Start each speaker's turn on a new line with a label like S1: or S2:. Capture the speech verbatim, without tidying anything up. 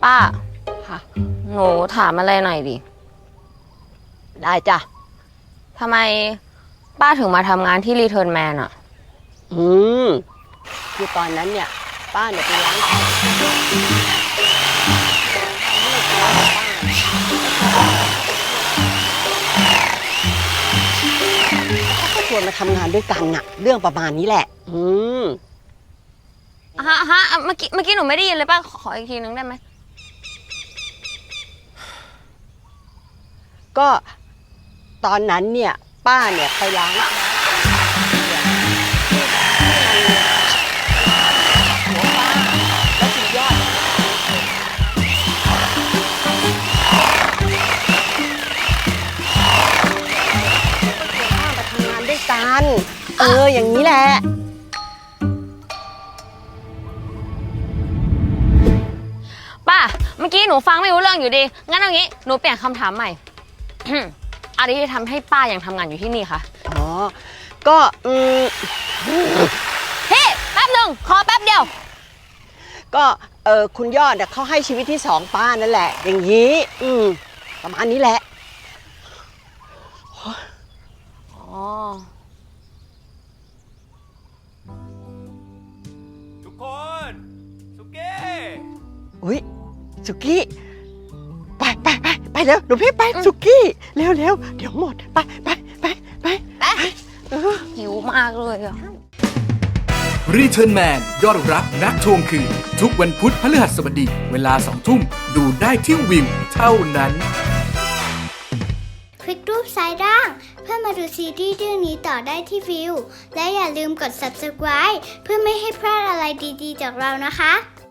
S1: ป้า
S2: ค่ะ
S1: หนูถามอะไรหน่อยดิ
S2: ได้จ้ะ
S1: ทำไมป้าถึงมาทำงานที่รีเทิร์นแมนอะ
S2: อืมคือตอนนั้นเนี่ย ป้าเนี่ยไปล้างแผลเขาก็ชวนมาทำงานด้วยกันน่ะ เรื่องประมาณนี้แหละ อืม
S1: ฮะฮะเมื่อกี้เมื่อกี้หนูไม่ได้ยินเลยป้า ขออีกทีนึงได้ไหม
S2: ก็ตอนนั้นเนี่ย ป้าเนี่ยไปล้างหัวป้าแล้วคุณยอดป้ามาทำงานด้วยกัน เออ อย่างนี้แหละ
S1: ป้า เมื่อกี้หนูฟังไม่รู้เรื่องอยู่ดี งั้นเอางี้ หนูเปลี่ยนคำถามใหม่ อะไรที่ทำให้ป้ายังทำงานอยู่ที่นี่คะ
S2: อ๋อ ก็อืม
S1: พี่แป๊บหนึ่งขอแป๊บเดียว
S2: ก็เออคุณยอดเนี่ยเขาให้ชีวิตที่สองป้านั่นแหละ อย่างนี้ อืมประมาณนี้แหละ
S1: อ๋อ
S3: ทุกคนสุกี้
S2: อุ้ยสุกี้ ไปไปไปไปเร็วหนูพี่ไปสุกี้เร็วเร็วเดี๋ยวหมด ไปไปไปไปไปเออ
S1: หิวมากเลยอะ
S4: รีเทิร์นแมนยอดรักนักทวงคืน ทุกวันพุธพฤหัสบดี เวลาสองทุ่ม ดูได้ที่วิวเท่านั้น
S5: คลิกรูปซ้ายล่างเพื่อมาดูซีรีส์เรื่องนี้ต่อได้ที่วิว และอย่าลืมกด ซับสไครบ์ เพื่อไม่ให้พลาดอะไรดีๆจากเรานะคะ